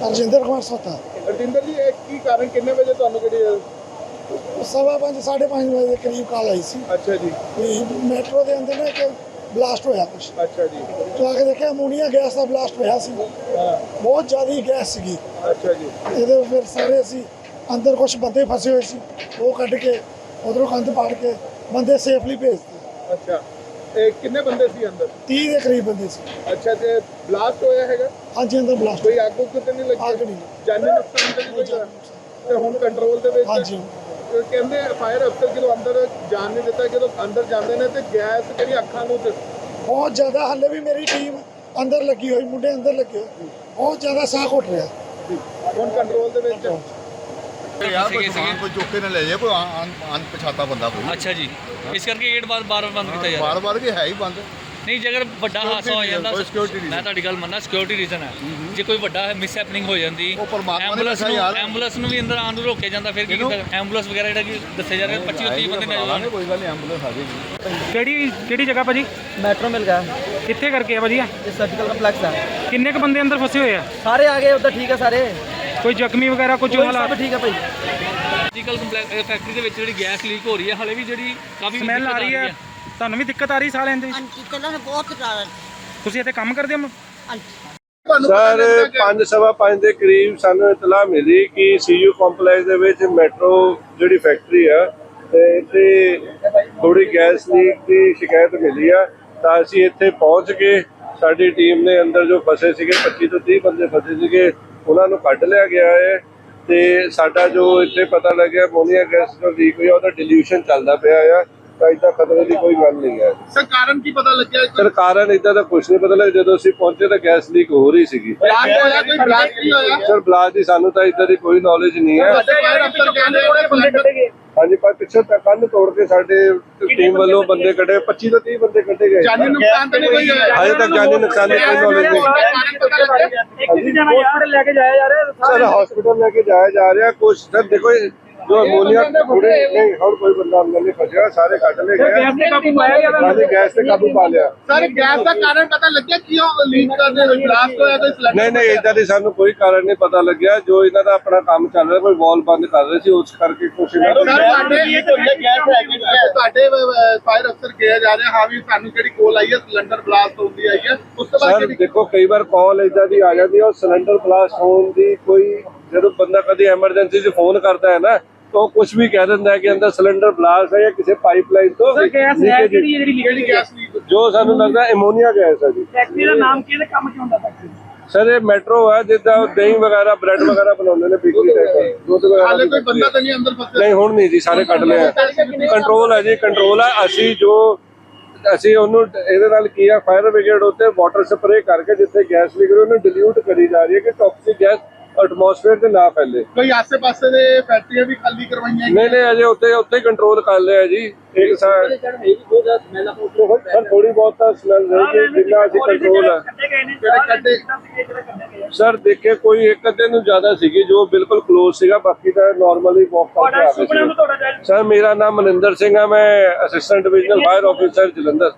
ਰਜਿੰਦਰ ਕੁਮਾਰ ਸੋਤਾ। ਰਜਿੰਦਰ ਜੀ, ਇਹ ਕੀ ਕਾਰਨ, ਕਿੰਨੇ ਵਜੇ ਤੁਹਾਨੂੰ ਕਿਹੜੀ 5:15 5:30 ਵਜੇ ਦੇ ਕਰੀਬ ਕਾਲ ਆਈ ਸੀ। ਅੱਛਾ ਜੀ। ਮੈਟਰੋ ਦੇ ਅੰਦਰ ਨਾ ਇੱਕ ਬਲਾਸਟ ਹੋਇਆ ਕੁਛ। ਅੱਛਾ ਜੀ। तो आके देखे अमोनीਆ गैस का ਬਲਾਸਟ ਹੋਇਆ ਸੀ। बहुत ज़्यादा गैस सी। ਅੱਛਾ ਜੀ। ਇਹਦੇ ਫਿਰ ਸਾਰੇ ਅਸੀਂ ਅੰਦਰ ਕੁਝ ਬੰਦੇ ਫਸੇ ਹੋਏ ਸੀ, ਉਹ ਕੱਢ ਕੇ ਉਧਰੋਂ ਕੰਧ ਪਾੜ ਕੇ ਬੰਦੇ ਸੇਫਲੀ ਭੇਜਦੇ। ਅੱਛਾ, ਇਹ ਕਿੰਨੇ ਬੰਦੇ ਸੀ ਅੰਦਰ? 30 ਦੇ ਕਰੀਬ ਬੰਦੇ ਸੀ। ਅੱਛਾ, ਤੇ ਬਲਾਸਟ ਹੋਇਆ ਹੈਗਾ? ਹਾਂਜੀ, ਅੰਦਰ ਬਲਾਸਟ। ਕੋਈ ਅੱਗ ਉੱਗ ਤੇ ਨਹੀਂ ਲੱਗੀ? ਅੱਗ ਨਹੀਂ, ਜਾਨੀ ਨੁਕਸਾਨ ਤਾਂ ਨਹੀਂ ਕੋਈ ਹੋਇਆ? ਤੇ ਹੁਣ ਕੰਟਰੋਲ ਦੇ ਵਿੱਚ? ਹਾਂਜੀ। ਕਹਿੰਦੇ ਫਾਇਰ ਅਫਸਰ ਜਦੋਂ ਅੰਦਰ ਜਾਣ ਨਹੀਂ ਦਿੱਤਾ, ਜਦੋਂ ਅੰਦਰ ਜਾਂਦੇ ਨੇ ਤੇ ਗੈਸ ਜਿਹੜੀ ਅੱਖਾਂ ਨੂੰ ਬਹੁਤ ਜ਼ਿਆਦਾ, ਹਾਲੇ ਵੀ ਮੇਰੀ ਟੀਮ ਅੰਦਰ ਲੱਗੀ ਹੋਈ, ਮੁੰਡੇ ਅੰਦਰ ਲੱਗੇ ਹੋਏ, ਬਹੁਤ ਜ਼ਿਆਦਾ ਸਾਹ ਘੁੱਟ ਰਿਹਾ। ਹੁਣ ਕੰਟਰੋਲ ਦੇ ਵਿੱਚ? ਕੋਈ ਚੁੱਕੇ ਨਾ ਲੈ ਜਾਏ, ਕੋਈ ਅਣਪਛਾਤਾ ਬੰਦਾ ਕੋਈ। ਅੱਛਾ ਜੀ, ਇਸ ਕਰਕੇ ਗੇਟ ਬਾਰ-ਬਾਰ ਬੰਦ ਕੀਤਾ ਜਾ ਰਿਹਾ। ਬਾਰ-ਬਾਰ ਵੀ ਹੈ ਹੀ ਬੰਦ। ਨਹੀਂ, ਜੇ ਅਗਰ ਵੱਡਾ ਹਾਦਸਾ ਹੋ ਜਾਂਦਾ, ਮੈਂ ਤੁਹਾਡੀ ਗੱਲ ਮੰਨਣਾ, ਸਿਕਿਉਰਿਟੀ ਰੀਜ਼ਨ ਹੈ। ਜੇ ਕੋਈ ਵੱਡਾ ਮਿਸ ਹੈਪਨਿੰਗ ਹੋ ਜਾਂਦੀ, ਐਂਬੂਲੈਂਸ ਨੂੰ ਵੀ ਅੰਦਰ ਆਉਣ ਨੂੰ ਰੋਕਿਆ ਜਾਂਦਾ, ਫਿਰ ਕੀ ਕੀਤਾ? ਐਂਬੂਲੈਂਸ ਵਗੈਰਾ ਜਿਹੜਾ ਕਿ ਦੱਸਿਆ ਜਾ ਰਿਹਾ 25-30 ਬੰਦੇ ਨੌਜਵਾਨ। ਕੋਈ ਗੱਲ ਨਹੀਂ, ਐਂਬੂਲੈਂਸ ਆ ਜਾਏਗੀ। ਕਿਹੜੀ ਜਗ੍ਹਾ ਭਾਜੀ? मेट्रो मिल गया है, ਕਿੱਥੇ ਕਰਕੇ ਆ ਭਾਜੀ? ये सर्जिकल कम्प्लेक्स है। ਕਿੰਨੇ ਕ ਬੰਦੇ ਅੰਦਰ ਫਸੇ ਹੋਏ ਆ? सारे आ गए उधर, ठीक है सारे, ਕੋਈ ਜ਼ਖਮੀ ਵਗੈਰਾ ਕੁਝ कोई ਹਾਲਾਤ? सब ठीक है भाई। ਸਰਜੀਕਲ ਕੰਪਲੈਕਸ ਫੈਕਟਰੀ ਦੇ ਵਿੱਚ ਜਿਹੜੀ ਗੈਸ ਲੀਕ ਹੋ ਰਹੀ ਹੈ, ਹਾਲੇ ਵੀ ਜਿਹੜੀ ਕਾਫੀ ਸਮੈਲ ਆ ਰਹੀ ਹੈ, ਤੁਹਾਨੂੰ ਵੀ ਦਿੱਕਤ ਆ ਰਹੀ ਸਾਹ ਲੈਣ ਦੇ ਵਿੱਚ? ਹਾਂਜੀ, ਪਹਿਲਾਂ ਤਾਂ ਬਹੁਤ ਜ਼ਿਆਦਾ। ਤੁਸੀਂ ਇੱਥੇ ਕੰਮ ਕਰਦੇ ਹੋ? ਹਾਂਜੀ। ਸਰ, 5:15 ਦੇ ਕਰੀਬ ਸਾਨੂੰ ਇਤਲਾਹ ਮਿਲੀ ਕਿ ਸੀਯੂ ਕੰਪਲੈਕਸ ਦੇ ਵਿੱਚ ਮੈਟਰੋ ਜਿਹੜੀ ਫੈਕਟਰੀ ਆ ਤੇ ਇੱਥੇ ਥੋੜੀ ਗੈਸ ਲੀਕ ਦੀ ਸ਼ਿਕਾਇਤ ਮਿਲੀ ਆ। ਤਾਂ ਅਸੀਂ ਇੱਥੇ ਪਹੁੰਚ ਕੇ ਸਾਡੀ ਟੀਮ ਨੇ ਅੰਦਰ ਜੋ ਫਸੇ ਸੀਗੇ 25 ਤੋਂ 30 ਬੰਦੇ ਫਸੇ ਸੀਗੇ, ਉਹਨਾਂ ਨੂੰ ਕੱਢ ਲਿਆ ਗਿਆ ਹੈ। ਤੇ ਸਾਡਾ ਜੋ ਇੱਥੇ ਪਤਾ ਲੱਗਿਆ ਅਮੋਨੀਆ ਗੈਸ ਜੋ ਲੀਕ ਹੋਈ ਉਹਦਾ ਡਿਲੂਸ਼ਨ ਚੱਲਦਾ ਪਿਆ ਆ। ਤਾਂ ਇੱਦਾਂ ਖਤਰੇ ਦੀ ਕੋਈ ਗੱਲ ਨਹੀਂ ਹੈ। ਸਰ, ਕਾਰਨ ਕੀ ਪਤਾ ਲੱਗਿਆ? ਸਰ, ਕਾਰਨ ਇੱਦਾਂ ਦਾ ਕੁਝ ਨਹੀਂ ਪਤਾ ਲੱਗਿਆ। ਜਦੋਂ ਅਸੀਂ ਪਹੁੰਚੇ ਤਾਂ ਗੈਸ ਲੀਕ ਹੋ ਰਹੀ ਸੀਗੀ। ਬਲਾਸਟ ਹੋਇਆ? ਕੋਈ ਬਲਾਸਟ ਨਹੀਂ ਹੋਇਆ? ਸਰ, ਬਲਾਸਟ ਦੀ ਸਾਨੂੰ ਤਾਂ ਇੱਦਾਂ ਦੀ ਕੋਈ ਨੌਲੇਜ ਨਹੀਂ ਹੈ। ਫਾਇਰ ਅਫਸਰ ਕਹਿੰਦੇ ਹਾਂਜੀ, ਪਰ ਪਿੱਛੇ ਤੱਕ ਕੰਨ ਤੋੜ ਕੇ ਸਾਡੇ ਟੀਮ ਵੱਲੋਂ ਬੰਦੇ ਕੱਢੇ, 25 ਤੋਂ 30 ਬੰਦੇ ਕੱਢੇ ਗਏ। ਜਾਨੀ ਨੁਕਸਾਨ ਤਾਂ ਨਹੀਂ ਕੋਈ ਹੋਇਆ? ਹਜੇ ਤੱਕ ਜਾਨੀ ਨੁਕਸਾਨ ਦੀ ਕੋਈ ਨੌਲੇਜ ਨਹੀਂ। हॉस्पिटल लेके जाया जा रहा है। ਸਰ, ਹਸਪੀਟਲ ਲੈ ਕੇ ਜਾਇਆ ਜਾ ਰਿਹਾ। ਕੁਛ ਸਰ ਦੇਖੋ, ਜੋ ਅਮੋਨੀਆ ਥੋੜੇ ਨਹੀਂ, ਹੋਰ ਕੋਈ ਬੰਦਾ ਅੰਦਰ ਨਹੀਂ ਫਸਿਆ, ਸਾਰੇ ਕੱਢ ਲਏ ਗਏ। ਹਾਂਜੀ, ਗੈਸ ਤੇ ਕਾਬੂ ਪਾ ਲਿਆ। ਸਰ, ਗੈਸ ਦਾ ਕਾਰਨ ਪਤਾ ਲੱਗਿਆ ਕਿਉਂ ਲੀਕ ਕਰਦੇ ਹੋਏ ਬਲਾਸਟ ਹੋਇਆ? ਕੋਈ ਸਿਲੰਡਰ? ਨਹੀਂ, ਇਦਾਂ ਦੀ ਸਾਨੂੰ ਕੋਈ ਕਾਰਨ ਨਹੀਂ ਪਤਾ ਲੱਗਿਆ। ਜੋ ਇਹਨਾਂ ਦਾ ਆਪਣਾ ਕੰਮ ਚੱਲ ਰਿਹਾ, ਕੋਈ ਵਾਲ ਬੰਦ ਕਰ ਰਹੇ ਸੀ, ਉਸ ਕਰਕੇ ਕੁਛ ਇਹਨਾਂ ਤੁਹਾਡੇ ਫਾਇਰ ਅਫਸਰ ਕਿਹਾ ਜਾ ਰਿਹਾ ਹਾਂ ਵੀ ਸਾਨੂੰ ਜਿਹੜੀ ਕੋਲ ਆਈ ਹੈ ਸਿਲੰਡਰ ਬਲਾਸਟ ਹੁੰਦੀ ਆਈ ਹੈ, ਉਸ ਤੋਂ ਬਾਅਦ ਸਰ ਦੇਖੋ, ਕਈ ਵਾਰ ਕਾਲ ਇਦਾਂ ਦੀ ਆ ਜਾਂਦੀ ਹੈ, ਉਹ ਸਿਲੰਡਰ ਬਲਾਸਟ ਹੋਣ ਦੀ ਕੋਈ, ਜਦੋਂ ਬੰਦਾ ਕਦੀ ਐਮਰਜੈਂਸੀ 'ਚ ਫੋਨ ਕਰਦਾ ਹੈ ਨਾ, ਤਾਂ ਕੁਝ ਵੀ ਕਹਿ ਦਿੰਦਾ ਹੈ ਕਿ ਅੰਦਰ ਸਿਲੰਡਰ ਬਲਾਸਟ ਹੈ ਜਾਂ ਕਿਸੇ ਪਾਈਪਲਾਈਨ ਤੋਂ ਜਿਹੜੀ ਗੈਸ ਲੀਕ? ਜੋ ਸਾਨੂੰ ਲੱਗਦਾ ਅਮੋਨੀਆ ਗੈਸ ਹੈ ਜੀ। फैक्ट्री का नाम किहदे काम च हुंदा फैक्ट्री? ਸਰ, ਇਹ ਮੈਟਰੋ ਹੈ, ਜਿੱਦਾਂ ਦਹੀਂ ਵਗੈਰਾ, ਬ੍ਰੈਡ ਵਗੈਰਾ ਬਣਾਉਂਦੇ ਨੇ, ਬੇਕਰੀ ਟਾਈਪ, ਦੁੱਧ ਵਗੈਰਾ। ਹਾਲੇ ਕੋਈ ਬੰਦਾ ਤਾਂ ਨਹੀਂ ਅੰਦਰ ਫਸਿਆ? ਨਹੀਂ, ਹੁਣ ਨਹੀਂ ਜੀ, ਸਾਰੇ ਕੱਢ ਲਿਆ। ਕੰਟਰੋਲ ਹੈ ਜੀ, ਕੰਟਰੋਲ ਹੈ। ਅਸੀਂ ਉਹਨੂੰ ਇਹਦੇ ਨਾਲ ਕੀ ਆ, ਫਾਇਰ ਬ੍ਰਿਗੇਡ ਉੱਤੇ ਵਾਟਰ ਸਪਰੇ ਕਰਕੇ ਜਿੱਥੇ ਗੈਸ ਲੀਕ ਉਹਨੂੰ ਡਿਲੂਟ ਕਰੀ ਜਾ ਰਹੀ ਹੈ ਕਿ ਟੌਕਸਿਕ ਗੈਸ ਐਟਮੋਸਫੇਅਰ ਤੇ ਨਾ ਫੈਲੇ। ਕੋਈ ਆਸੇ-ਪਾਸੇ ਦੇ ਫੈਕਟਰੀਆਂ ਵੀ ਖਾਲੀ ਕਰਵਾਈਆਂ? ਨਹੀਂ, ਅਜੇ ਉੱਤੇ ਕੰਟਰੋਲ ਕਰ ਲਿਆ ਜੀ। ਇੱਕ ਸਰ, ਥੋੜੀ ਬਹੁਤ ਤਾਂ ਸਮੈਲ ਰਹੇਗੀ, ਜਿੰਨਾ ਅਸੀਂ ਕੰਟਰੋਲ ਹੈ। ਸਰ, ਦੇਖੇ ਕੋਈ ਇੱਕ ਅੱਧੇ ਨੂੰ ਜ਼ਿਆਦਾ ਸੀਗੀ ਜੋ ਬਿਲਕੁਲ ਕਲੋਜ਼ ਸੀਗਾ, ਬਾਕੀ ਤਾਂ ਨਾਰਮਲੀ ਵਾਕ ਕਰਕੇ ਆ ਰਹੇ ਸੀ। ਸਰ, ਮੇਰਾ ਨਾਮ ਮਨਿੰਦਰ ਸਿੰਘ ਹੈ, ਮੈਂ assistant divisional fire officer Jalandhar.